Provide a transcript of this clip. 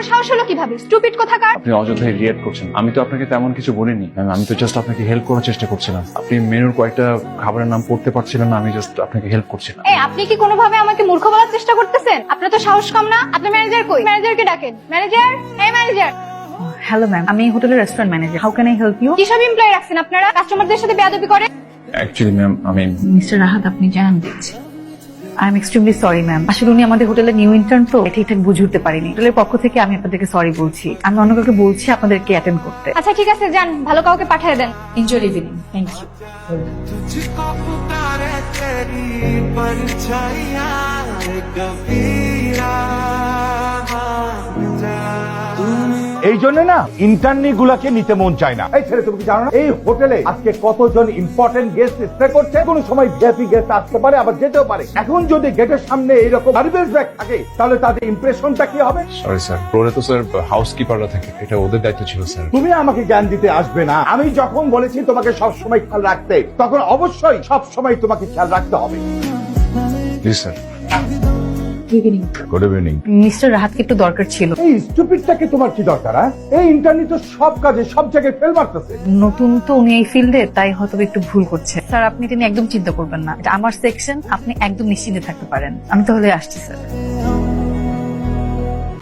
বড় সাহস হলো কিভাবে? স্টুপিড কোথাকার। আপনি অযথাই রিয়েক্ট করছেন। আমি তো আপনাকে তেমন কিছু বলিনি ম্যাম, আমি তো জাস্ট আপনাকে হেল্প করার চেষ্টা করছিলাম। আপনি মেনুর কয়েকটা খাবারের নাম পড়তে পারছিলেন না, আমি জাস্ট আপনাকে হেল্প করছিলাম। এই আপনি কি কোনোভাবে আমাকে মূর্খ বলার চেষ্টা করতেছেন? আপনার তো সাহস কম না। আপনার ম্যানেজার কই? ম্যানেজারকে ডাকেন। ম্যানেজার, এই ম্যানেজার। হ্যালো ম্যাম, আমি হোটেলের restaurant manager. How can I help you? কি সব এমপ্লয়ি রাখছেন আপনারা? কাস্টমারদের সাথে বেয়াদবি করে। অ্যাকচুয়ালি ম্যাম আমি মিস্টার রাহাত, আপনি জানেন দিচ্ছি। I am extremely sorry ma'am. আসলে উনি আমাদের হোটেলের নিউ ইন্টার্ন তো ঠিকঠাক বুঝে উঠতে পারিনি। হোটেলের পক্ষ থেকে আমি আপনাদেরকে সরি বলছি। আমি অন্য কাউকে বলছি আপনাদেরকে অ্যাটেন্ড করতে। আচ্ছা ঠিক আছে, যান, ভালো কাউকে পাঠিয়ে দেন। Enjoy evening. Thank you. तुझको पुकारे तेरी परछाइयां कबीरा এই জন্য না ইন্টার্নি গুলাকে নিতে মন চায় না। এই ছেলে, তুমি কি জানো না এই হোটেলে আজকে কতজন ইম্পর্টেন্ট গেস্ট স্টে করছে? কোন সময় ভিআইপি গেস্ট আসতে পারে, আবার যেতেও পারে। এখন যদি গেটের সামনে এইরকম গার্বেজ ব্যাগ থাকে তাহলে তাদের ইমপ্রেশনটা কি হবে? সরি স্যার, ফ্লোরে তো স্যার হাউসকিপাররা থাকে, এটা ওদের দায়িত্ব ছিল স্যার। তুমি আমাকে জ্ঞান দিতে আসবে না। আমি যখন বলেছি তোমাকে সব সময় খেয়াল রাখতে, তখন অবশ্যই সব সময় তোমাকে খেয়াল রাখতে হবে। জি sir. Evening. Good evening. Mister রাহাতকে একটু দরকার ছিল। এই স্টুপিডটাকে তোমার কি দরকার? এই ইন্টার্নি তো সব কাজে সব জায়গায় ফেল মারতেছে। নতুন তো উনি এই ফিল্ডে, তাই হয়তো একটু ভুল করছে। স্যার আপনি তিনি একদম চিন্তা করবেন না, এটা আমার সেকশন, আপনি একদম নিশ্চিন্তে থাকতে পারেন। আমি তাহলে আসছি স্যার।